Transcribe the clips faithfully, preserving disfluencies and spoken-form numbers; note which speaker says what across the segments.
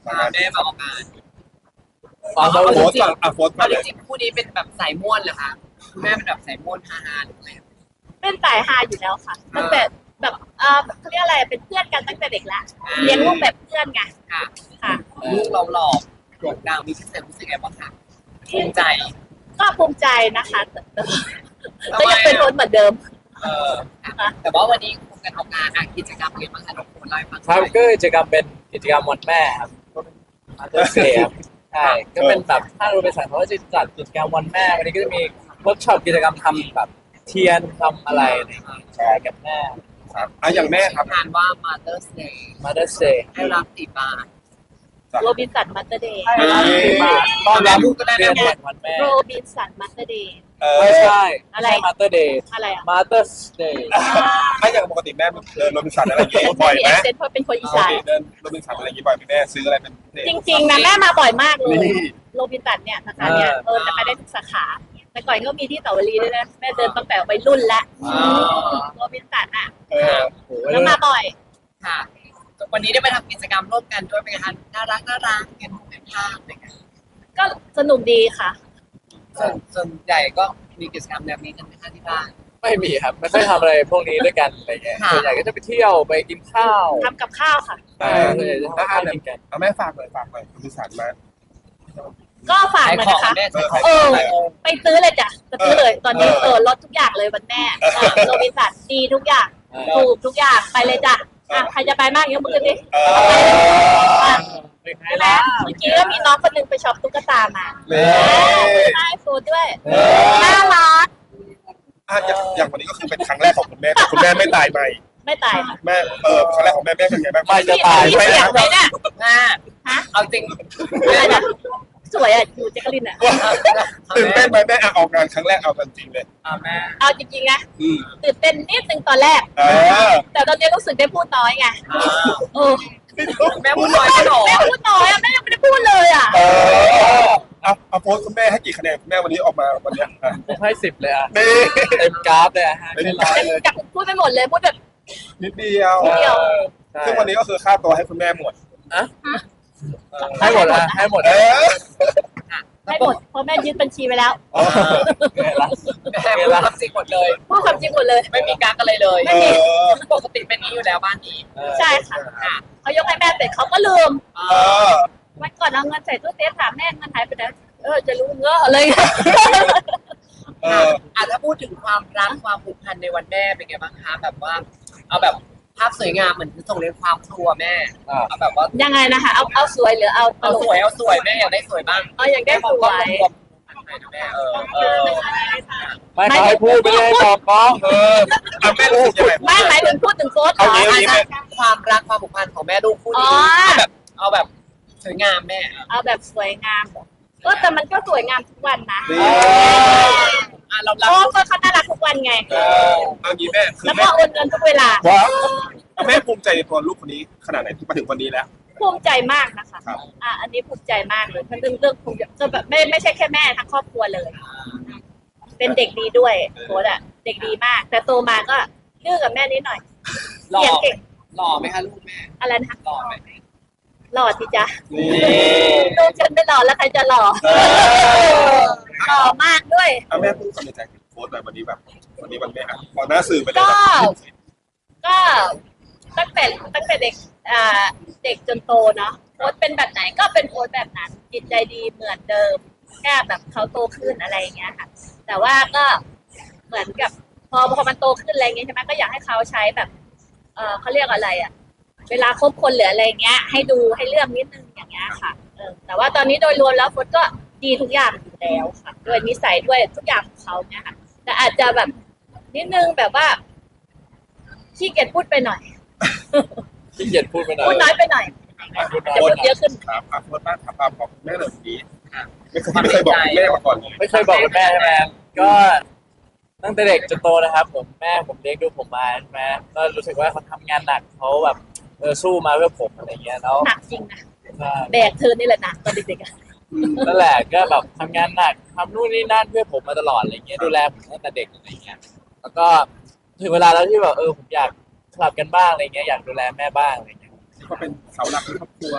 Speaker 1: พาแม่มาออกงาน
Speaker 2: ฟัง
Speaker 1: เอา
Speaker 2: แล้ว
Speaker 1: จ
Speaker 3: โฟ
Speaker 1: ริ
Speaker 3: ร์
Speaker 1: ง
Speaker 3: ก่อนอ่ะโฟร์
Speaker 1: ๆ
Speaker 3: ก่อ
Speaker 1: เอา
Speaker 3: น
Speaker 1: จ
Speaker 3: เลย
Speaker 1: ริงๆคู่นี้เป็นแบบสายม่วนเหรอคะคุณแม่เป็นแบบสายม่วนฮาๆเลย
Speaker 4: เป็นสายฮาอยู่แล้วค่ะตั้งแต่แบบเออเขาเรียกอะไรเป็นเพื่อนกันตั้งแต่เด็กละเลี้ยงลูกแบบเพื่อนไง
Speaker 1: ค่ะ
Speaker 4: ค่ะ
Speaker 1: ลูกเราหล่อโด่งดังมีชื่อเสียงรู้สึกไงบ้างคะภูมิใจ
Speaker 4: ก็ภูมิใจนะคะแต่แต่ก็ยังเป็นคนเหมือนเดิม
Speaker 1: เออค่ะแต่ว่าวันนี้คงกันออกงานอ่ะกิจกรรมเป็นไงบ้างคะน้องคุณเล่าให้ฟังห
Speaker 2: ครั
Speaker 1: น่
Speaker 2: บ
Speaker 1: อย
Speaker 2: ก็กิจกรรมเป็นกิจกรรมวันแม่ครับก็เป็นมาเตอร์เซียใช่ก็เป็นแบบถ้าเราไปสั่งเขาก็จะจัดกิจกรรมวันแม่วันนี้ก็จะมีเวิร์กช็อปกิจกรรมทำแบบเทียนทำอะไรอะไรอย่างเงี้ยแชร์กับแม่
Speaker 3: ครับอ่ะอย่างแม่ครับ
Speaker 1: งานว่า Mother's Day
Speaker 2: มาเตอร์เซีย
Speaker 1: ให้รักติบาน
Speaker 4: โรบินสันมัตเตอร์เดย์
Speaker 2: ต้อนรับเรียนวันแม่
Speaker 4: โรบินสันมัตเตอร์เดย์
Speaker 3: เออ
Speaker 2: ไม่ใช่
Speaker 4: อะไร
Speaker 2: ไม่ใช่มาเตอร์เดย์
Speaker 4: อะไรอ่ะ
Speaker 2: มาเตอร์เดย์
Speaker 3: ถ้าอย่างปกติแม่เดินโรบินสันอะไรอย่างเงี้ย
Speaker 4: ฉัน
Speaker 3: บ่อย
Speaker 4: มี
Speaker 3: ไหม
Speaker 4: เอเซนต์เพราะเป็นคนอี
Speaker 3: ปก
Speaker 4: สาน
Speaker 3: ติเดินโรบินสันอะไรอย่างงี้บ่อยไหมแม่ซื้ออะไรเป็นพิเศษ
Speaker 4: จริงๆนะแม่มาบ่อยมากเลย
Speaker 3: นี่
Speaker 4: โรบินสันเนี่ยสาขาเนี่ยเออจะไปได้ทุกสาขา แต่ก่อนก็มีที่เสาวรีด้วยนะแม่เดินตั้งแต่วัยรุ่นละโรบินสันอ่ะ
Speaker 3: เออ
Speaker 4: แล้วมาบ่อย
Speaker 1: ค่ะ วันนี้ได้ไปทำกิจกรรมร่วมกันด้วยเป็นไงคะน่ารักน่ารักเห็นรูปเห็นภาพอะไรเงี้ย
Speaker 4: ก็สนุกดีค่ะ
Speaker 1: ส่วนส่วนใหญ่ก็มีกิจกรรมแบบนี้กันไหมคะที่บ้าน
Speaker 2: ไม่มีครับไม่ค่อยทำอะไรพวกนี้ด้วยกันอะไรเงี้ย
Speaker 1: ค่ะ
Speaker 2: ส่วนใหญ่ก็จะไปเที่ยวไปกินข้าว
Speaker 4: ทำกับข้าวค่ะ
Speaker 2: ใช่ส่วนใหญ่จะทำข้าวกินกัน
Speaker 3: เอาแม่ฝากหน่อยฝากหน่อยโรบินสันมา
Speaker 4: ก็ฝาก
Speaker 1: ขาย
Speaker 4: เลย
Speaker 1: ของ
Speaker 4: นะคะ
Speaker 1: แม่ขายของ
Speaker 4: เออ
Speaker 1: ขายของ
Speaker 4: ไปซื้อเลยจ้ะจะซื้อเลย ตอนนี้เออลดทุกอย่างเลยวันแม่เออโรบินสันดีทุกอย่าง
Speaker 2: เออ
Speaker 4: ถูกทุกอย่างไปเลยจ้ะอ่ะใครจะไปมากยกมือดิ
Speaker 3: เออ
Speaker 4: อ่ะ
Speaker 2: เป็นไง
Speaker 4: ใช่ไหม
Speaker 2: ล่ะ
Speaker 4: เมื่อกี้ก็มีน้องคนหนึงไปช็อปตุ๊กตามา
Speaker 3: นี่
Speaker 4: ใช่ฟูดด้วย
Speaker 2: เออ
Speaker 4: น่ารัก
Speaker 3: อ่ะอย่างอย่างวันนี้ก็คือเป็นครั้งแรกของคุณแม่แต่คุณแม่ไม่ตายใหม่
Speaker 4: ไม่ตายค่ะ
Speaker 3: แม่เออครั้งแรกของแม่แม่เป็นไงบ้าง
Speaker 2: ไม่จะตาย
Speaker 4: มีเสียงไหมเนี่ย
Speaker 1: แม่
Speaker 4: ฮะ
Speaker 1: เอาจริง
Speaker 4: อะไรนะสวยอ่ะอยู่เจคลินอ่ะ
Speaker 3: ตื่นเต้นไหมแม่อ่ะออกงานครั้งแรกเอากันจริงเลย
Speaker 1: เอาแม่
Speaker 4: เอาจริงๆนะ
Speaker 3: อืม
Speaker 4: ตื่นเต้นนิดนึงตอนแรก
Speaker 3: เออ
Speaker 4: แต่ตอนนี้รู้สึกได้พูดน้อยไงเออ
Speaker 1: แม่พูดน้อยก็หนอ
Speaker 4: แม่พูดน้อยอ่ะแม่ยังไม่ได้พูดเลยอ่ะ
Speaker 3: เออเอาเอาโพสต์คุณแม่ให้กี่คะแนนคุณแม่วันนี้ออกมาวันเนี้ยอ่ะ
Speaker 2: ผมให้สิบเลยอ่ะ
Speaker 3: นี่
Speaker 2: เต็มกราฟเลยอ่ะให้ไม่ร้อยเลย
Speaker 4: อยากพูดไปหมดเลยพูดแบบ
Speaker 3: นิดเดียว
Speaker 4: นิดเดียว
Speaker 2: ใช่
Speaker 3: ซึ่งวันนี้ก็คือค่าตัวให้คุณแม่หมด
Speaker 2: ให้หมดอ่ะให้หมด
Speaker 3: เออ
Speaker 4: ให้หมดเพราะแม่ยึดบัญชีไปแล้ว
Speaker 2: ไงล่ะ
Speaker 1: แม่พูดความจริงหมดเลย
Speaker 4: พูดความจริงหมดเลย
Speaker 1: ไม่มีกักอะไรเลย
Speaker 4: ไม่
Speaker 3: เอ
Speaker 4: มี
Speaker 3: อ
Speaker 1: ปกติเป็นนี้อยู่แล้วบ้านนี้
Speaker 4: ใช่ค่ะ
Speaker 1: ค่ะ
Speaker 4: เขายกให้แม่เสร็จเขาก็ลืม
Speaker 1: เอ
Speaker 3: เอ
Speaker 1: อ
Speaker 3: อ
Speaker 4: วันก่อนเอาเงินใส่ตู้เซฟถามแม่เงินหายไปไหนเออจะรู้เงอะอะไรเงี้ย
Speaker 3: เออ
Speaker 1: อ่ะถ้าพูดถึงความรักความผูกพันในวันแม่เป็นไงบ้างคะแบบว่า เอาแบบภาพสวยงามเหมือนส่งเรียนความครัวแม่
Speaker 2: อ่า
Speaker 1: เอาแบบว่า
Speaker 4: ยังไงนะคะเอาเอาสวยหรือเอาต
Speaker 1: เอา
Speaker 4: ลก
Speaker 1: สวยเอาสวยแม่อยากได้สวยบ้าง
Speaker 4: เอาอย่างได้สวย
Speaker 1: รวมๆหน่อยนะแม่เออเออ
Speaker 2: ไม่เขาให้พูดไปเลยบอกกล้อง
Speaker 3: เออเอาแม่รู้สึกยังไง
Speaker 4: ไม่หมายถึงพูดถึงโค้ดเหร
Speaker 3: เอา
Speaker 4: อ
Speaker 3: งี้
Speaker 1: อาจจะความรักความผูกพันของแม่ลูกคู่นี้
Speaker 4: อ๋อ
Speaker 1: เอาแบบเอาแบบสวยงามแม่
Speaker 4: เอาแบบสวยงามก็แต่มันก็สวยงามทุกวันนะ
Speaker 3: นี่
Speaker 1: อ่ะเรา
Speaker 4: เพ
Speaker 1: รัก
Speaker 4: ราะก็เขาน่ารักทุกวันไง
Speaker 3: เออเอางี้แม่คือ
Speaker 4: แล้ว
Speaker 3: แม่
Speaker 4: ก็โอนเงินทุกเวลา
Speaker 3: ว้าวแม่ภูมิใจในตัวลูกคนนี้ขนาดไหนที่มาถึงวันนี้แล้ว
Speaker 4: ภูมิใจมากนะคะ
Speaker 3: ครับ
Speaker 4: อ่ะอันนี้ภูมิใจมากเลยมันเรื่องเรื่องภูมิใจก็แบบไม่ไม่ใช่แค่แม่ทั้งครอบครัวเลย เป็นเด็กดีด้วยโค้ดอะเด็กดีมาก แต่โตมาก็ดื้อกับแม่นิดหน่อย
Speaker 1: หล่อ
Speaker 4: เรียนเก่ง
Speaker 1: หล่อไหมคะลูกแม่
Speaker 4: อะไรนะคะ
Speaker 1: หล่อไหม
Speaker 4: หล่อสิจ๊ะ
Speaker 3: นี่
Speaker 4: ลูกฉันไม่หล่อแล้วใครจะหล่อ
Speaker 3: เออ
Speaker 4: หล่อมากด้วย
Speaker 3: เอาแม่พูดความในใจถึงโค้ดหน่อยวันนี้แบบ วันนี้วันแม่อ่ะพอหน้าสื่อไปเลย
Speaker 4: ก็
Speaker 3: แบบ
Speaker 4: ก็ตั้งแต่ตั้งแต่เด็กอ่าเด็กจนโตเนาะโค้ดเป็นแบบไหนก็เป็นโค้ดแบบนั้น จิตใจดีเหมือนเดิมแค่แบบเขาโตขึ้นอะไรอย่างเงี้ยค่ะ แต่ว่าก็เหมือนกับพอพอมันโตขึ้นอะไรเงี้ยใช่ไหมก็อยากให้เขาใช้แบบ เออเขาเรียกอะไรอ่ะ เวลาคบคนหรืออะไรเงี้ย ให้ดูให้เลือกนิดนึงอย่างเงี้ยค่ะเออแต่ว่าตอนนี้โดยรวมแล้วโค้ดก็ดีทุกอย่างอยู่แล้วค่ะด้วยนิสัยด้วยทุกอย่างของเขาเนี่ยค่ะแต่อาจจะแบบนิดนึงแบบว่าขี้เกียจพูดไปหน่อย
Speaker 2: ขี้เกียจพูดไปหน่อย
Speaker 4: พูดน้อยไปหน่อย
Speaker 2: พูดน้
Speaker 4: จะ
Speaker 2: อย
Speaker 4: พูดเยอะขึ้น
Speaker 3: ครับอ่ะโค้ดป้าถามป้าบอกแม่เลยวันนี้ไม่เคยไม่เคยบอกคุณแม่มาก่อนเลย
Speaker 2: ไม่เคยบอกกับแม่ใช่ไหมก็ตั้งแต่เด็กจนโตนะครับ ผมแม่ผมเลี้ยงดูผมมาใช่ไหมก็รู้สึกว่าเขาทำงานหนักเขาแบบเออสู้มาเพื่อผมอะไรเงี้ยแล้ว
Speaker 4: หนักจริงนะ
Speaker 2: ใช่
Speaker 4: แบกเธอนี่แหละหนักตอนเด็กๆอะ
Speaker 2: นั่นแหละก็แบบทำงานหนักทำนู่นนี่นั่นเพื่อผมมาตลอดอะไรเงี้ยดูแลผมตั้งแต่เด็กอะไรเงี้ยแล้วก็ถึงเวลาแล้วที่แบบเออผมอยากสลับกันบ้างอะไรเงี้ยอยากดูแลแม่บ้างอะไรเงี้ย
Speaker 3: ก็เป็นเสาหลักในครอบครัว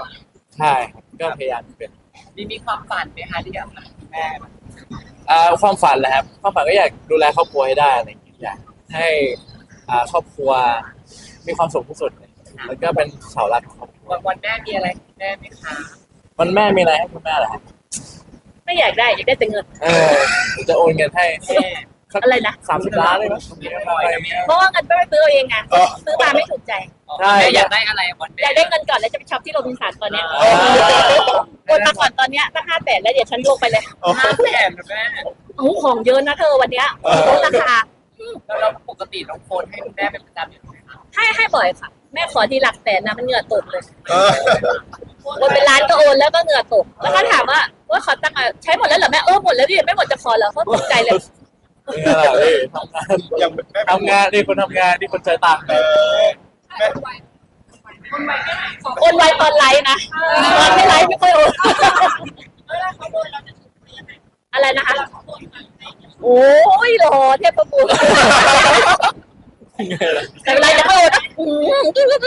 Speaker 2: ใช่ครับก็พยายามเป็น
Speaker 1: มีมีความฝันไหมคะที่อยากทำคุณแม่
Speaker 2: อ่าความฝันแหละครับความฝันก็อยากดูแลครอบครัวให้ได้อะไรอย่างเงี้ยอยากให้อ่าครอบครัวมีความสุขที่สุดแล้วก็เป็นเสาหลักของครอบครัว
Speaker 1: วันวันแม่มีอะไรให้คุณแม่ไหมคะ
Speaker 2: วันแม่มีอะไรให้คุณแม่เหรอครับ
Speaker 4: ไม่อยากได้อยากได้แต่เงิน
Speaker 2: เออจะโอนเงินให้
Speaker 1: แม่
Speaker 4: อะไรนะ
Speaker 2: สามสิบล้านเลยมั้ย
Speaker 4: เพราะว่าเงินไม่ได้ซื้อเอาเองไงซื้อมาไม่ถูกใจ
Speaker 2: ใช่
Speaker 1: แม่อยากได้อะไรวันแม่
Speaker 4: อยากได้เงินก่อนแล้วจะไปช็อปที่โรบินสันตอนเนี้ย
Speaker 1: อ๋อ
Speaker 4: โอนมาก่อนตอนเนี้ยตั้งห้าแสนแล้วเดี๋ยวฉันลงไปเลย
Speaker 1: ห้าแสนนะแม่
Speaker 4: โอ้โหของเยอะนะเธอวันเนี้ยลดราคา
Speaker 1: แล้วเราปกติน้องโฟนให้คุณแม่เป็นประจำอยู่ไหมคะ
Speaker 4: ให้ให้บ่อยค่ะ แม่ขอทีหลักแสนนะมันเหงื่อตกเลย
Speaker 3: เออ
Speaker 4: โอนเป็นล้านก็โอนแล้วก็เหงื่อตก แล้วก็ถามว่าว่าขอตั้งค์ใช้หมดแล้วเหรอแม่เออหมดแล้วดิไม่หมดจะขอเหรอเขาตกใจเลย
Speaker 2: เนี่ยแหละเอ้ยทำงาน
Speaker 3: ยังแม่
Speaker 2: ทำงานนี่คนทำงานนี่คนใช้ตังค์
Speaker 3: เออแม่
Speaker 4: โอนไวตอนไลฟ์นะตอนไม่ไลฟ์ไม่ค่อยโอนอะไรนะคะโอ้ยรอเทพบุตรแต่เวลาจะโอนนะอืม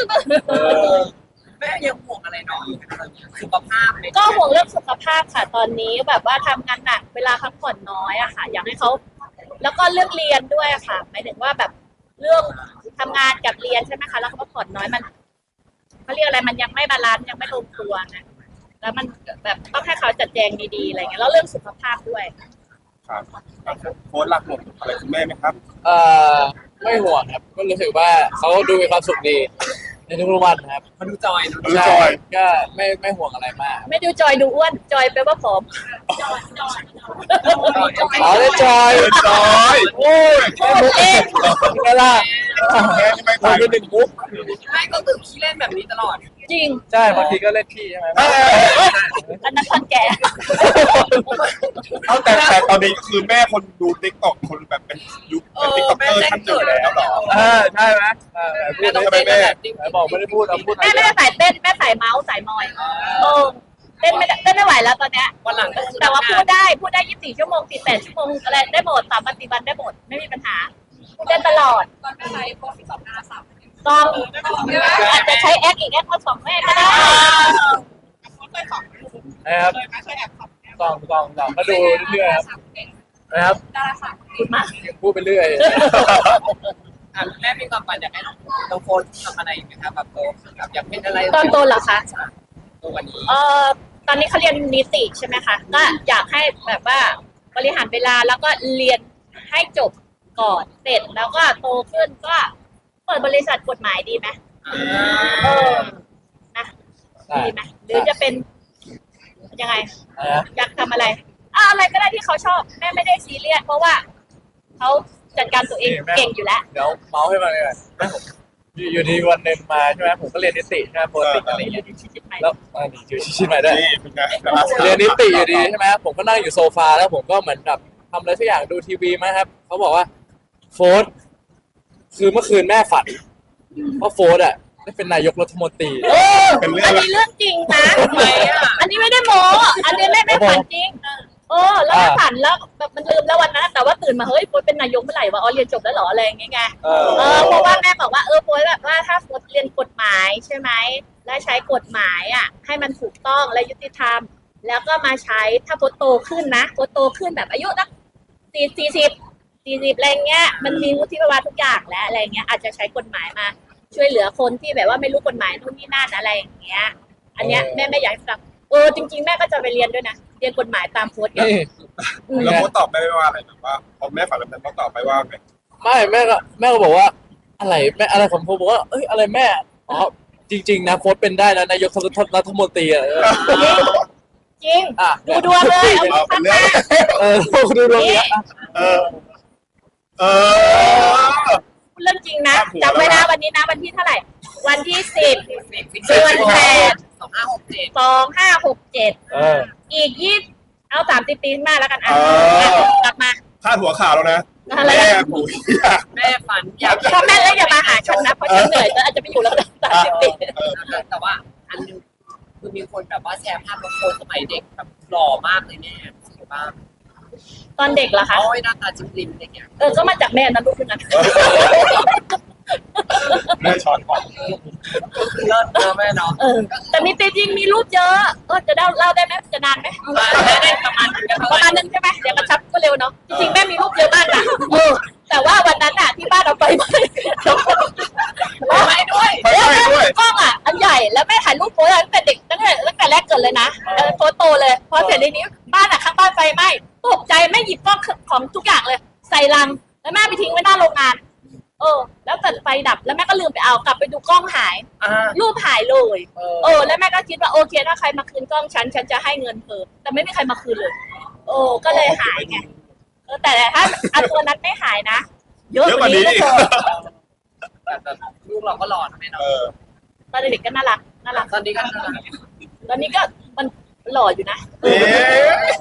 Speaker 1: แม่ยังห่วงอะไรน้องอยู่ไหมคะสุขภาพไหม
Speaker 4: ก็ห่วงเรื่องสุขภาพค่ะ ตอนนี้แบบว่าทำงานหนักเวลาพักผ่อนน้อยอะค่ะ อยากให้เขาแล้วก็เรื่องเรียนด้วยอะค่ะหมายถึงว่าแบบเรื่องทำงานกับเรียนใช่ไหมคะแล้วเขาพักผ่อนน้อยมันเขาเรียกอะไรมันยังไม่บาลานซ์ยังไม่ลงตัวนะแล้วมันแบบต้องให้เขาจัดแจงดีๆอะไรเงี้ยแล้วเรื่องสุขภาพด้วย
Speaker 3: ครับโค้ชรักหมดอะไรคุณแม่ไหมครับ
Speaker 2: เอ่อไม่ห่วงครับก็รู้สึกว่าเขาดูมีความสุขดีในทุกๆวันครับ
Speaker 1: มาดูจอยดู
Speaker 3: ดูจอย
Speaker 2: ก็ไม่ไม่ห่วงอะไรมาก
Speaker 4: ไม่ดูจอยดูอ้วนจอยแปลว่าผอม
Speaker 2: อ๋อได้จอย
Speaker 3: เออจอยโอ้ย
Speaker 4: พูดเล่น
Speaker 2: เวลา
Speaker 3: แม่ที่ไม่
Speaker 2: เรา
Speaker 3: ตาย
Speaker 2: เป็นหนึ่งมุก
Speaker 1: ไม่ก็คือขี้เล่นแบบนี้ตลอด
Speaker 4: จริง
Speaker 2: ใช่บางทีก็เล่นขี้ใช่ไหม
Speaker 3: เออ
Speaker 4: อันนั้นคนแก่
Speaker 3: เอาแต่แต่ตอนนี้ก็คือแม่คนดูติ๊กต็อกคนแบบเป็นยุคเป็นติ๊กต็อกเกอร์ท่านหนึ่งแล้วเหรอ
Speaker 2: เออใช่ไหมเออพู
Speaker 1: แม่
Speaker 2: ด
Speaker 1: ต้อง
Speaker 2: ใช่ไหม
Speaker 1: เต้น
Speaker 2: แม่
Speaker 1: แบบจริง
Speaker 2: ไหนบอกไม่ได้พูดเอาพูด
Speaker 4: แม่ไม่ได้ใส่เต้นแม่ใส่เมาส์ใส่มอยโอ้เต้นไม่ได้เต้นไม่ไหวแล้วตอนเนี้ย
Speaker 1: วันหลังก็คือ
Speaker 4: แต่ว่าพูดได้พูดได้ยี่สิบสี่ชั่วโมงสี่สิบแปดชั่วโมงอะไรได้หมดสามวันสี่วันได้หมดไม่มีปัญหาพูดได้ตลอด
Speaker 5: ตอนเป็นไลฟ์โพสที่สองนาสาม
Speaker 4: ต้องอาจจะใช้แอคอีกแอคข้อสองแม่ก็ได้
Speaker 5: เคยสอง
Speaker 2: นะครับ
Speaker 5: เคยไหมเคยแอบขับ
Speaker 2: กองกองกองก็ดูเรื่อยๆครับนะครับ
Speaker 5: ดาราสาว
Speaker 4: พูดมาก
Speaker 2: ยังพูดไปเรื่อย
Speaker 1: อ่ะแม่มีความฝันอยากให้น้องน้องโฟนทำอะไรอีกไหมคะแบบโตขึ้นแบบอยากเป็นอะไร
Speaker 4: ตอนโตเหรอคะ
Speaker 1: ตัววันนี้
Speaker 4: เอ่อตอนนี้เขาเรียนนิติใช่ไหมคะก็อยากให้แบบว่าบริหารเวลาแล้วก็เรียนให้จบก่อนเสร็จแล้วก็โตขึ้นก็เปิดบริษัทกฎหมายดีไหมเออนะ
Speaker 2: ๆใช่
Speaker 4: ดีไหมหรือจะเป็นยังไง
Speaker 2: นะครับ
Speaker 4: อยากทำอะไรอ่ะอะไรก็ได้ที่เขาชอบแม่ไม่ได้ซีเรียสเพราะว่าเขาจัดการตัวเองเก่งอยู่แล้ว
Speaker 2: เดี๋ยวเมาส์ให้มาเลยอยู่อยู่ดีวันหนึ่งมาใช่ไหมผมก็เรียนนิติใช่ไหมปกติอะไรอย่างเงี้ยแล้วอ่านี่อยู่ชิดๆมาด้วย
Speaker 3: นี่เป็นไงดาราสาว
Speaker 2: เรียนนิติอยู่ดีใช่ไหมผมก็นั่งอยู่โซฟาแล้วผมก็เหมือนแบบทำอะไรสักอย่างดูทีวีมั้งครับเขาบอกว่าโฟร์ธคือเมื่อคืนแม่ฝันว่าโฟร์ธอ่ะได้เป็นนายกรัฐมนตรี
Speaker 4: เออ
Speaker 3: เป็นเรื่อ
Speaker 4: อั
Speaker 3: ง
Speaker 4: นนี้เรื่องจริงนะอันนี้ไม่ได้โม้อันนี้แม่ไม่ฝันจริงเออแล้วแม่ฝันแล้วแบบมันลืมแล้ววันนั้นแต่ว่าตื่นมาเฮ้ยโฟร์เป็นนายกเมื่อไหร่วะอ๋อเรียนจบแล้วเหรออะไรอย่างเงี้ยไง
Speaker 2: เออ
Speaker 4: เออเพราะว่าแม่บอกว่าเออโฟร์แบบว่าถ้าโฟร์เรียนกฎหมายใช่ไหมและใช้กฎหมายอ่ะให้มันถูกต้องและยุติธรรม แล้วก็มาใช้ถ้าโฟร์โตขึ้นนะโฟร์โตขึ้นแบบอายุสักสี่สี่สิบสี่สิบอะไรเงี้ยมันมีวุฒิภาวะทุกอย่างแล้วอะไรเงี้ยอาจจะใช้กฎหมายมา ช่วยเหลือคนที่แบบว่าไม่รู้กฎหมายนู่นนี่นั่นอะไรอย่างเงี้ย อันเนี้ยแม่ไม่อยากฟังเออจริงๆแม่ก็จะไปเรียนด้วยนะเรียนกฎหมายตามโค้ดเนี่ย
Speaker 2: นี่
Speaker 4: อืม
Speaker 3: แล้วโค้ชตอบแม่ไม่ว่าอะไรแบบว่าพอแม่ฝันแบบนั้นเขาตอบไปว่าไง
Speaker 2: ไม่แม่ก็แม่ก็บอกว่า อะไรแม่อะไรของผมบอกว่าเอ้ยอะไรแม่อ๋อจริง ๆ นะโฟร์ธเป็นได้นะนายกรัฐมนตรีอ่ะเออ
Speaker 4: จริง
Speaker 2: อ่ะ
Speaker 4: ดูดวงเลยเอา
Speaker 3: เอาเป็
Speaker 4: ข้าน ง
Speaker 3: เรื่
Speaker 4: ห
Speaker 3: อง
Speaker 4: น้า
Speaker 2: เออดูดวงเนี้ยอ่ะ
Speaker 3: เออ เออ
Speaker 4: พูดเรื่องจริงนะจำไว้นะวันนี้นะวันที่เท่าไหร่ วันที่สิบ
Speaker 1: เดือนแปดสองห้าหกเจ็ด
Speaker 4: สองห้าหกเจ็ด
Speaker 2: เออ
Speaker 4: อีกยี่เอาสามสิบปีมาแล้วกันอ่ะ
Speaker 3: เออ
Speaker 4: กลับมา
Speaker 3: พาดหัวข่าวแล้วนะ
Speaker 4: อะไร
Speaker 3: แม่
Speaker 4: นะ
Speaker 3: ปุ๋ย
Speaker 1: แม่ฝันอยาก
Speaker 4: พ่อแม่แล้วอย่ามาหาฉันนะเพราะฉันเหนื่อยแล้วอาจจะไปอยู่แล้วสามสิบปี
Speaker 1: แต่ว่าอันนึงคือมีคนแบบว่าแชร์ภาพน้องโฟนสมัยเด็กแบบหล่อมากเลยแม่สวยมาก
Speaker 4: ตอนเด็กเหรอคะ
Speaker 1: โอ้ยหน้าตาจิ้มริมอะไรเงี้ย
Speaker 4: เออก็มาจากแม่นะลูกคนนั้น
Speaker 3: แม่ช้อนของ
Speaker 1: ก็คือเลิศเนอะแม่เนาะ
Speaker 4: เออแต่มีจริงๆมีรูปเยอะเออจะเล่าเล่าได้ไหมจะนานไหม
Speaker 1: ได้ได้ประมาณนั้น
Speaker 4: ประมาณนึงใช่ไหมเดี๋ยวกระชับก็เร็วเนาะจริงๆแม่มีรูปเยอะมากนะเออแต่ว่าวันนั้นอ่ะที่บ้านเอาไปไม่
Speaker 1: ไม่ด้วย
Speaker 3: ไปด้วยด้วย
Speaker 4: กล้องอ่ะอันใหญ่แล้วแม่ถ่ายรูปโพสตั้งแต่เด็กตั้งแต่ตั้งแต่แรกเกิดเลยนะเออโพสโตเลยพอเสร็จในนี้บ้านอ่ะข้างบ้านไฟไหม้ตกใจแม่หยิบกล้องของทุกอย่างเลย ใส่ลังแล้วแม่ไปทิ้งไว้หน้าโรงงานเออแล้วเกิดไฟดับแล้วแม่ก็ลืมไปเอากลับไปดูกล้องหาย
Speaker 1: อ่า
Speaker 4: รูปหายเลย
Speaker 1: เอ
Speaker 4: เออแล้วแม่ก็คิดว่าโอเคถ้าใครมาคืนกล้องฉันฉันจะให้เงินเธอแต่ไม่มีใครมาคืนเลย โอ้ก็เลยหายไงเออแต่ถ้าอันตัวนั้นไม่หายนะเยอะ
Speaker 3: เยอะ
Speaker 4: ก
Speaker 3: ก
Speaker 4: ว่า
Speaker 3: ว่า
Speaker 4: นี้
Speaker 3: นี้
Speaker 4: ก็
Speaker 3: อีก
Speaker 4: เจอ
Speaker 1: แต่แบบลูกเราก็หล่อนะแม่
Speaker 3: เอ
Speaker 1: เนาะ
Speaker 3: อ
Speaker 4: ตอนเด็กๆก็น่ารักน่ารัก
Speaker 1: ตอนนี้ก็น่ารัก
Speaker 4: ตอนนี้ก็มันหล่ออยู่นะ
Speaker 3: เอ๊ะ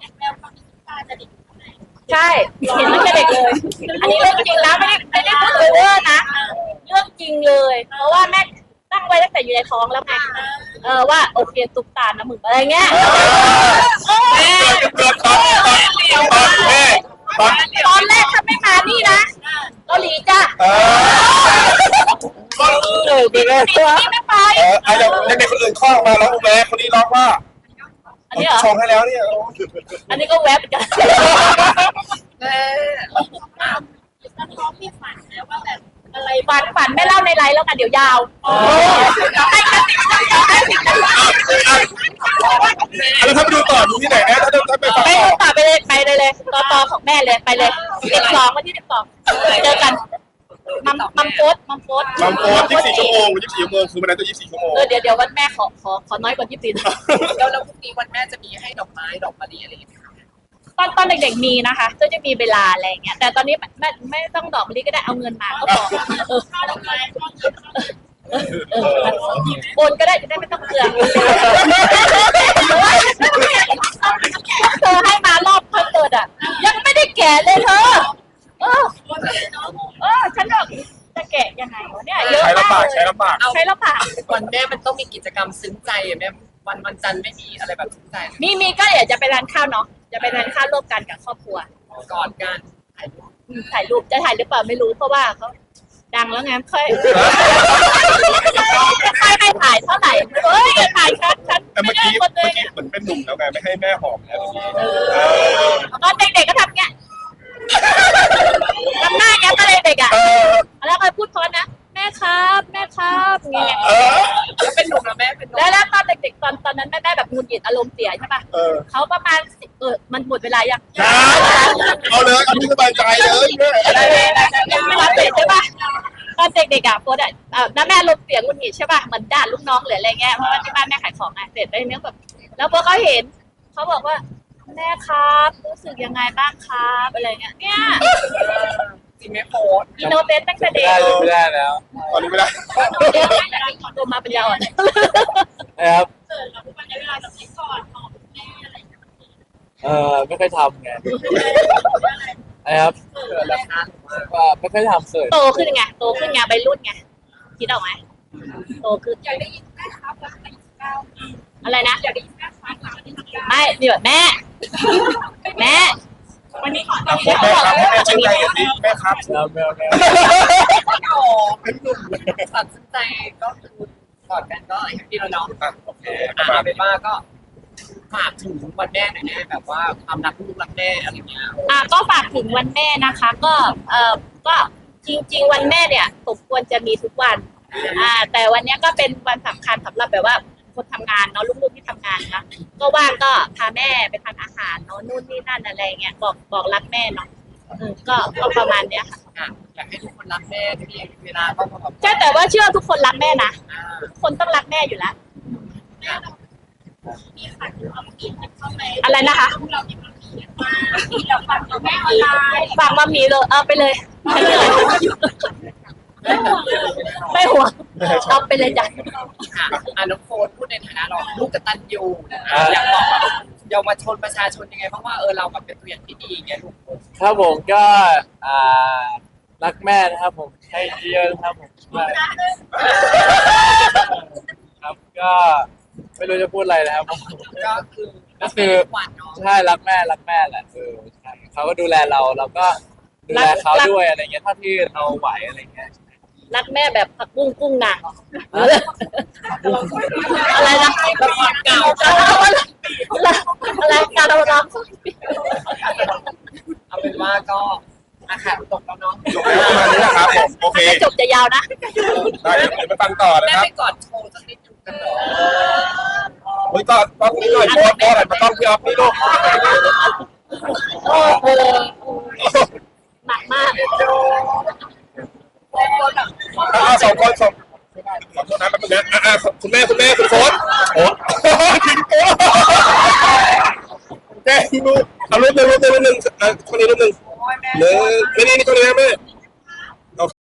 Speaker 4: ใช่เห็นตั้งแต่เด็กเลย อันนี้เรื่องจริงนะไม่ได้ไม่ได้พูดโอเวอร์นะเรื่องจริงเลย เพราะว่าแม่ตั้งไว้ตั้งแต่อยู่ในท้องแล้วไงเออว่าโอเคตุ๊กตานะมึงอะไรเงี้ยเออ
Speaker 3: เกิดเกิดตอนตอนตอนแม่ตอน
Speaker 4: ตอนแรกถ้าไม่มานี่นะเกาหลีจ้ะ
Speaker 3: เออก็
Speaker 2: เออเป็นไงวะ
Speaker 4: นี่ไม่ไป
Speaker 3: เออไอ้เด็กเด็กคนอื่นคลอดออกมาแล้วแม่คนนี้ร้องว่า
Speaker 4: อันนี้เหรอ
Speaker 3: ชงให้แล้วเนี่ย
Speaker 4: อันนี้ก็แวบเหมือนกัน
Speaker 1: แม่
Speaker 5: ท้องมีฝันนะว่าแบบ
Speaker 4: อะไรฝันฝันไม่เล่าในไลฟ์แล้วกันเดี๋ยวยาวให้กระติกให้กระติก
Speaker 3: แล้วถ้าไปดูต่อดูที่ไหนนะถ้าถ้าไปฟัง
Speaker 4: ไป
Speaker 3: ต่อ
Speaker 4: ต่อไปเลยไปเลยเลยต่อต่อของแม่เลยไปเลยสิบสองวันที่สิบสองเจอกันมัมมัมโพสมัมโพส
Speaker 3: บางโพสยี่สิบสี่ชั่วโมงยี่สิบสี่ชั่วโมงคือมันนั้นตัวยี่สิบสี่ชั่วโมง
Speaker 4: เออเดี๋ยวเดี๋ยววันแม่ขอขอขอน้อยกว่ายี่สิบสี่
Speaker 1: แล้วแล้วพรุ่งนี้วันแม่จะมีให้ดอกไม้ดอกมะลิอะไรอย่างเงี้ย
Speaker 4: ตอนตอนเด็กๆมีนะคะก็จะมีเวลาอะไรอย่างเงี้ยแต่ตอนนี้ไม่ไม่ต้องดอกมะลิก็ได้เอาเงินมาก็พอเออ
Speaker 5: ข้าวดอกไม้ข้าว
Speaker 4: เออโอนก็ได้จะได้ไม่ต้องเปลืองเธอให้มารอบคอนเสิร์ตอ่ะยังไม่ได้แกะเลยเธอเออเออฉันบอกจะแกะยังไงวะเนี่ยเยอะ
Speaker 3: ใช้
Speaker 4: มา
Speaker 3: ลำบาก
Speaker 4: กเล
Speaker 3: ใช้
Speaker 4: ย
Speaker 3: ลำบาก
Speaker 4: ใช้แล้วปาก
Speaker 1: วันแม่มันต้องมีกิจกรรมซึ้งใจอ่ะแม่วันวันจันทร์ไม่มีอะไรแบบซึ้งใจเลย
Speaker 4: มีมีก็เดี๋ยวจะไปร้านข้าวเนาะจะไปร้านข้าวร่วมกันกับครอบครัว
Speaker 1: กอดกันถ่ายรูป
Speaker 4: อืมถ่ายรูปจะถ่ายหรือเปล่าไม่รู้เพราะว่าเขาดังแล้วไงค่อยไม่ค่อยให้ถ่ายเท่าไหร่เฮ้ยอย่าถ่ายชัดชัด
Speaker 3: แต่
Speaker 4: ไม่
Speaker 3: เมื่อ
Speaker 4: ได้
Speaker 3: กี้
Speaker 4: คนเล
Speaker 3: เมื่อย กี้เหมือนเป็นหนุ่มแล้วไงไม่ให้แม่หอมแล้วทีนี้เออ
Speaker 4: ตอนเด็กๆก็ทำเงี้ยทำหน้าเงี้ยตอนเด็กๆอ่ะ
Speaker 3: เออ
Speaker 4: แล้วก็พูดเพราะนะแม่ครับแม่ครับเงี้ย
Speaker 3: เออ
Speaker 1: แล้วเป็นหนุ่มแล้วแม่เป็นหนุ่ม
Speaker 4: แล้วแล้วตอนเด็กๆตอนตอนนั้นแม่แม่แบบหงุดหงิดอารมณ์เสียใช่ป่ะ
Speaker 3: เออ
Speaker 4: เขาประมาณสิบเออมันหมดเวลายัง
Speaker 3: นะเอาเลยเอาที่สบายใจเลยแม่
Speaker 4: อะไรยังไม่รับเสร็จใช่ป่ะตอนเด็กๆอ่ะโพสอ่ะอ่าแล้วแม่ลมเสียงหงุดหงิดใช่ป่ะเหมือนด่าลูกน้องหรืออะไรเงี้ยเพราะว่าที่บ้านแม่ขายของไงเสร็จได้เนี้ยแบบแล้วพอเขาเห็นเขาบอกว่าแม่ครับรู้สึกยังไงบ้างครับอะไรเงี้ยเนี่ย
Speaker 1: จริงไหมโพส
Speaker 4: อินโนเซนต์ตั้งแต่เด็ก
Speaker 2: ได้เลยไม่ได้แล้ว
Speaker 3: ตอนนี้ไม่ได้
Speaker 4: โตมาเป็นยาอ่อน
Speaker 2: นะครับ
Speaker 5: เกิดแล้ววันนี้เวลาจะไปก่อนของแม่อะไรอย่างเงี้ย
Speaker 2: เออไม่ค่อยทำไงนะครับ
Speaker 1: เกิดแล้วนะ
Speaker 2: ว่าไม่ค่อยทำเกิด
Speaker 4: โตขึ้นไงโตขึ้นไงใบรุ่นไงคิดออกไหมโตขึ้น
Speaker 5: อยากได้ยินแม่ครับแล้วไปเก้า
Speaker 4: อะไรนะ
Speaker 5: อยากได้ยินแม่ครับแล้วไปเก้า
Speaker 4: ไม่นี่แบบแม่ แม่
Speaker 5: วันนี้ขอ
Speaker 3: แม่ครับให้แม่ชื่นใจกันสิแม่ครับ
Speaker 2: แล้วแมวแมว
Speaker 1: โอ้เป็นหนุ่มตัดสินใจก็คือกอดกันก็แฮปปี้แล้วเนาะ
Speaker 3: อ่ะโอเคป
Speaker 1: อ่ะ
Speaker 3: ระมา
Speaker 1: เอา
Speaker 3: ณ
Speaker 1: เป็นว่าก็ฝากถึงวันแม่หน่อยแม่แบบว่าความรักลูกรักแม่อะไรเงี้ย
Speaker 4: อ่ะก็ฝากถึงวันแม่นะคะ ก็เอ่อก็จริง ๆ วันแม่เนี่ยสมควรจะมีทุกวัน อ่า แต่วันเนี้ยก็เป็นวันสำคัญสำหรับแบบว่าคนทำงานเนาะลูกๆที่ทำงานนะก็ว่างก็พาแม่ไปทานอาหารเนาะนู่นนี่นั่นอะไรเงี้ยบอกบอกรักแม่เนาะเออก็ก็ประมาณเนี้ยค่ะ
Speaker 1: อ่ะอยากให้ทุกคนรักแม่ที่เวลาก็แบบ
Speaker 4: ใช่แต่ว่าเชื่อทุกคนรักแม่นะ
Speaker 1: อ่า
Speaker 4: ทุกคนต้องรักแม่อยู่แล้ว
Speaker 5: แม่เรามีขันเอากินเข้าไป
Speaker 4: อะไรนะคะ
Speaker 5: เรามีความคิดว่าเราฟังเราแม่ออนไลน์
Speaker 4: ฝากมามีเลยเอาไปเลยไม่เหนื่อยไม่ห่วงเอาไปเลยจ้ะ
Speaker 1: ค่ะอ่ะน้องโฟนพูดในฐานะเราลูกกตัญญูอยากบอกแบบเยาวชนประชาชนยังไงบ้างว่าเออเราแบบเป็นตัวอย่างที่ดีอย่างเงี้ยลูก
Speaker 2: ครับผมก็อ่ารักแม่นะครับผมให้เยอะนะครับผมครับก็ไม่รู้จะพูดอะไรนะครับ
Speaker 1: ก็คือ
Speaker 2: ก็คือ
Speaker 1: หวานเนาะ
Speaker 2: ใช่รักแม่รักแม่แหละเออใช่เขาก็ดูแลเราเราก็ดูแลเขาด้วยอะไรเงี้ยเท่าที่เราไหวอะไรเงี้ย
Speaker 4: รักแม่แบบผักบุ้งกุ้งนางอะไรนะ
Speaker 1: ละครเก่า
Speaker 4: อะไรการเราร้อง
Speaker 1: เอาเป็นว่าก็อาหารตกแล้วเนาะ
Speaker 3: จบแล้วประมาณนี้แหละครับผมโอเค
Speaker 4: จบจะยาวนะ
Speaker 3: ได้เดี๋ยวไปฟังต่อนะ
Speaker 1: แม่
Speaker 3: ครับ
Speaker 1: ไปกอดโชว์สักนิดหนึ่งกันเหรอ
Speaker 3: เฮ้ยก็ต้องนี่หน่อยโพสต์โพสต์หน่อยมาต้องพี่ออฟนี่ลูก
Speaker 4: โอ้โหหนักมาก
Speaker 3: อ่าสองคนสองขอโทษนะแป๊บนึงนะอ่าคุณแม่คุณแม่คุณโค้ชโอ้ทิ้งตัวแกลูกเอารูปหนึ่งรูปหนึ่งรูปหนึ่งอ่าคนนี้รูปหนึ่ง
Speaker 1: โอ้ยแม่
Speaker 3: หนึ่งไม่นี่นี่คนนี้นะแม่